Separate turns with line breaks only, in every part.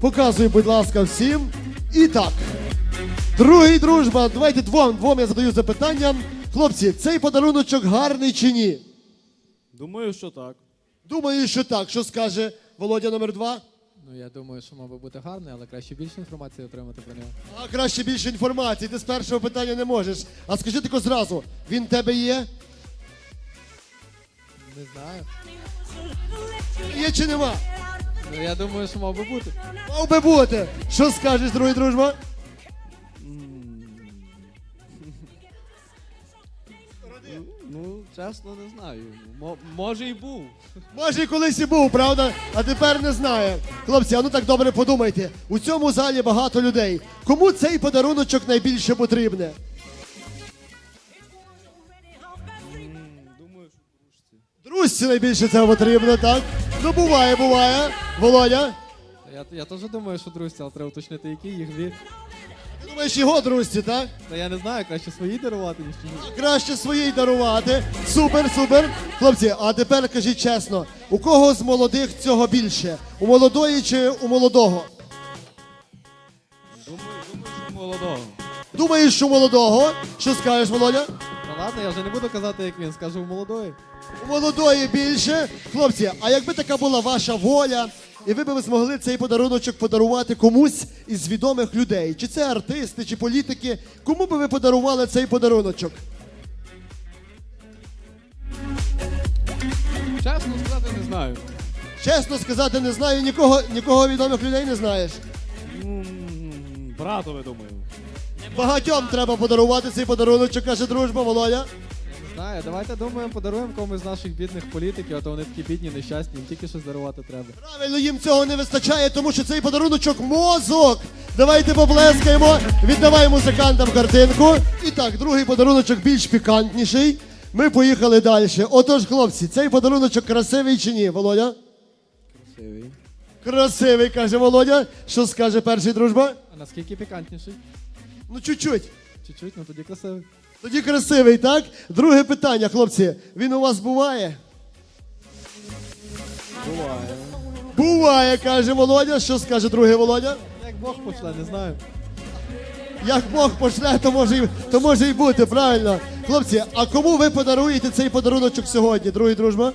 Показуй, будь ласка, всім. І так. Другий дружба. Давайте двом я задаю запитання. Хлопці, цей подаруночок гарний чи ні?
Думаю, що так.
Думаю, що так. Що скаже Володя номер 2?
Ну, я думаю, що мав би бути гарний, але краще більше інформації отримати про нього.
А краще більше інформації. Ти з першого питання не можеш. А скажи тако зразу, він в тебе є?
Не знаю.
Є чи нема?
Ну, я думаю, що мав би бути.
Мав би бути. Що скажеш, другий дружба?
Ну, чесно, не знаю. Може і був.
Може, і колись і був, правда? А тепер не знає. Хлопці, а ну так добре подумайте. У цьому залі багато людей. Кому цей подаруночок найбільше потрібне?
Думаю, що дружці.
Друзці найбільше цього потрібно, так? Ну, буває. Володя?
Я теж думаю, що друзі, але треба уточнити, які їх дві.
Ти думаєш, його друзці, так?
Та я не знаю, краще свої дарувати, ніж чужі.
Краще своїй дарувати. Супер. Хлопці, а тепер кажіть чесно, у кого з молодих цього більше? У молодої чи у молодого?
Думаю, що молодого.
Думаєш, що у молодого? Що скажеш, Володя?
Ну ладно, я вже не буду казати, як він, скажу у молодої.
У молодої більше. Хлопці, а якби така була ваша воля, і ви б змогли цей подаруночок подарувати комусь із відомих людей, чи це артисти, чи політики, кому би ви подарували цей подаруночок?
Чесно сказати, не знаю.
Чесно сказати, не знаю, нікого відомих людей не знаєш.
Братове, думаю.
Багатьом треба подарувати цей подаруночок, каже дружба, Володя.
Не знаю, давайте думаємо, подаруємо комусь з наших бідних політиків, а то вони такі бідні, нещасні, їм тільки щось дарувати треба.
Правильно, їм цього не вистачає, тому що цей подаруночок мозок. Давайте поплескаємо, віддавай музикантам картинку. І так, другий подаруночок більш пікантніший. Ми поїхали далі. Отож, хлопці, цей подаруночок красивий чи ні, Володя?
Красивий.
Красивий, каже Володя. Що скаже перший дружба?
А наскільки пікантніший?
Ну, чуть-чуть.
Чуть-чуть, ну тоді красивий.
Тоді красивий, так? Друге питання, хлопці. Він у вас буває?
Буває.
Буває, каже Володя. Що скаже другий Володя?
Як Бог пошле, не знаю.
Як Бог пошле, то може і бути, правильно. Хлопці, а кому ви подаруєте цей подаруночок сьогодні, другий дружба?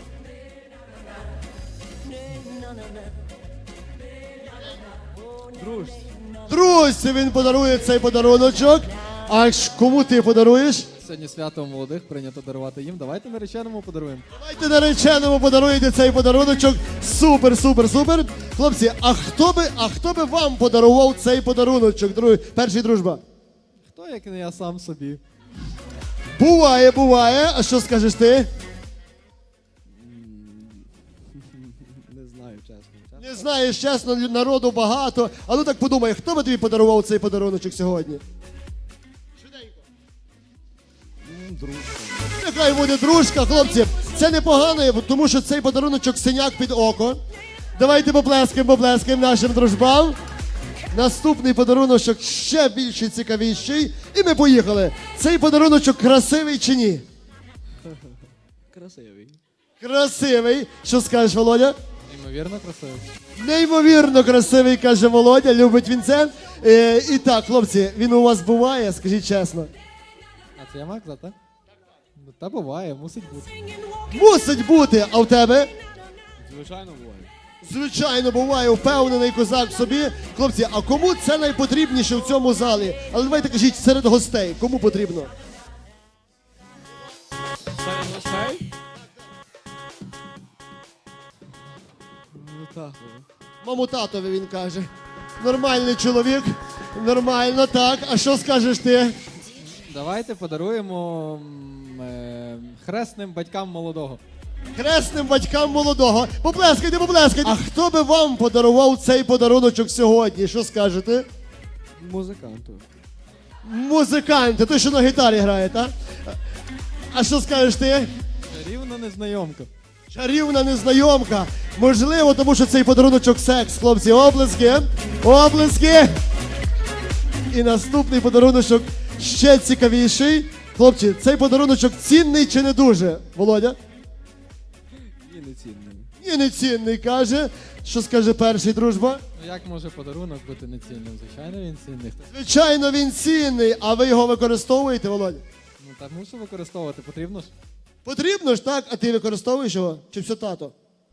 Дружці.
Друзі, він подарує цей подаруночок. А кому ти подаруєш?
Сьогодні свято молодих, прийнято дарувати їм. Давайте нареченому подаруємо.
Давайте нареченому подаруєте цей подаруночок. Супер. Хлопці, а хто би вам подарував цей подаруночок, перший дружба?
Хто, як не я сам собі?
Буває. А що скажеш ти?
Не знаю, чесно.
Не знаєш, чесно, народу багато. А ну так подумай, хто би тобі подарував цей подаруночок сьогодні?
Дружка.
Нехай буде дружка, хлопці. Це непогано, тому що цей подаруночок синяк під око. Давайте поплескаємо нашим дружбам. Наступний подаруночок ще більш цікавіший. І ми поїхали. Цей подаруночок красивий чи ні?
Красивий.
Красивий. Що скажеш, Володя?
Неймовірно красивий.
Неймовірно красивий, каже Володя. Любить він це. І так, хлопці, він у вас буває, скажіть чесно.
А це я маю казати, так? Ну, та буває, мусить бути.
Мусить бути, а в тебе?
Звичайно, буває.
Звичайно, буває, впевнений козак в собі. Хлопці, а кому це найпотрібніше в цьому залі? Але давайте кажіть, серед гостей, кому потрібно?
Серед гостей? Ну так.
Маму татові, він каже. Нормальний чоловік, нормально, так. А що скажеш ти?
Давайте подаруємо хресним батькам молодого.
Хресним батькам молодого. Поплескайте. А хто би вам подарував цей подаруночок сьогодні? Що скажете?
Музиканту.
Музиканти, той, що на гітарі грає, так? А що скажеш ти?
Рівно незнайомка.
Чарівна незнайомка. Можливо, тому що цей подаруночок секс, хлопці. Оплески. І наступний подаруночок ще цікавіший. Хлопці, цей подаруночок цінний чи не дуже? Володя?
І не цінний.
І нецінний каже. Що скаже перший, дружба?
Ну як може подарунок бути нецінним? Звичайно, він цінний.
Звичайно, він цінний, а ви його використовуєте, Володя?
Ну так мушу використовувати, потрібно ж.
Потрібно ж, так? А ти використовуєш його? Чи все тато?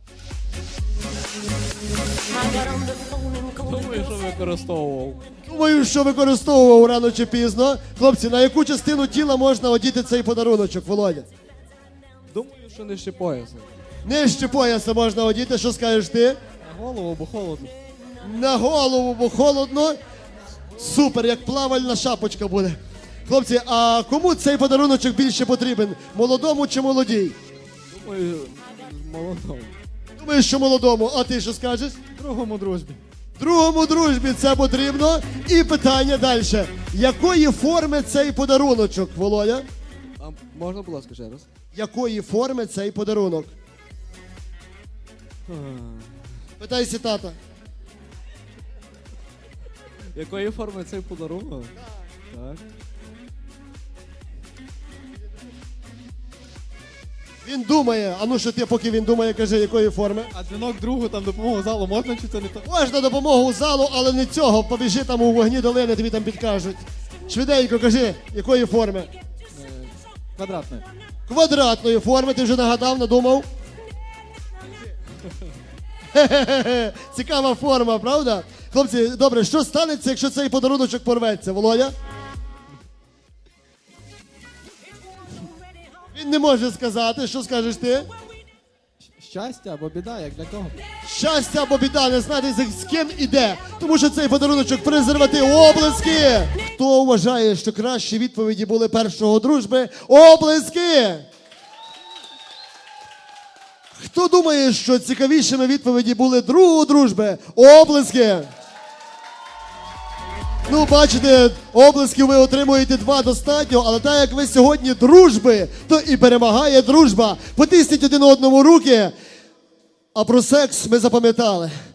Думаю, що використовував.
Думаю, що використовував рано чи пізно. Хлопці, на яку частину тіла можна одіти цей подаруночок, Володя?
Думаю, що нижче пояса.
Нижче пояса можна одіти, що скажеш ти?
На голову, бо холодно.
На голову, бо холодно. Супер, як плавальна шапочка буде. Хлопці, а кому цей подаруночок більше потрібен? Молодому чи молодій?
Думаю, молодому.
Думаю, що молодому. А ти що скажеш?
Другому дружбі.
Другому дружбі це потрібно. І питання далі. Якої форми цей подаруночок, Володя?
А можна, будь ласка, ще раз?
Якої форми цей подарунок? Питайся тата.
Якої форми цей подарунок? Так.
Він думає, а ну що ти, поки він думає, кажи, якої форми?
А дзвінок другу там допомогу залу можна чи це не то?
Можна допомогу залу, але не цього. Побіжи там у вогні долини, тобі там підкажуть. Швиденько кажи, якої форми?
Квадратне.
Квадратної форми, ти вже нагадав, надумав? Хе-хе-хе. Цікава форма, правда? Хлопці, добре, що станеться, якщо цей подаруночок порветься, Володя? Він не може сказати, що скажеш ти?
Щастя або біда, як для кого?
Щастя або біда, не знати з ким іде, тому що цей подаруночок презерватив. Оплески! Хто вважає, що кращі відповіді були першого дружби? Оплески! Хто думає, що цікавішими відповіді були другого дружби? Оплески! Ну, бачите, оплесків ви отримуєте 2 достатньо, але так як ви сьогодні дружби, то і перемагає дружба. Потисніть один одному руки, а про секс ми запам'ятали.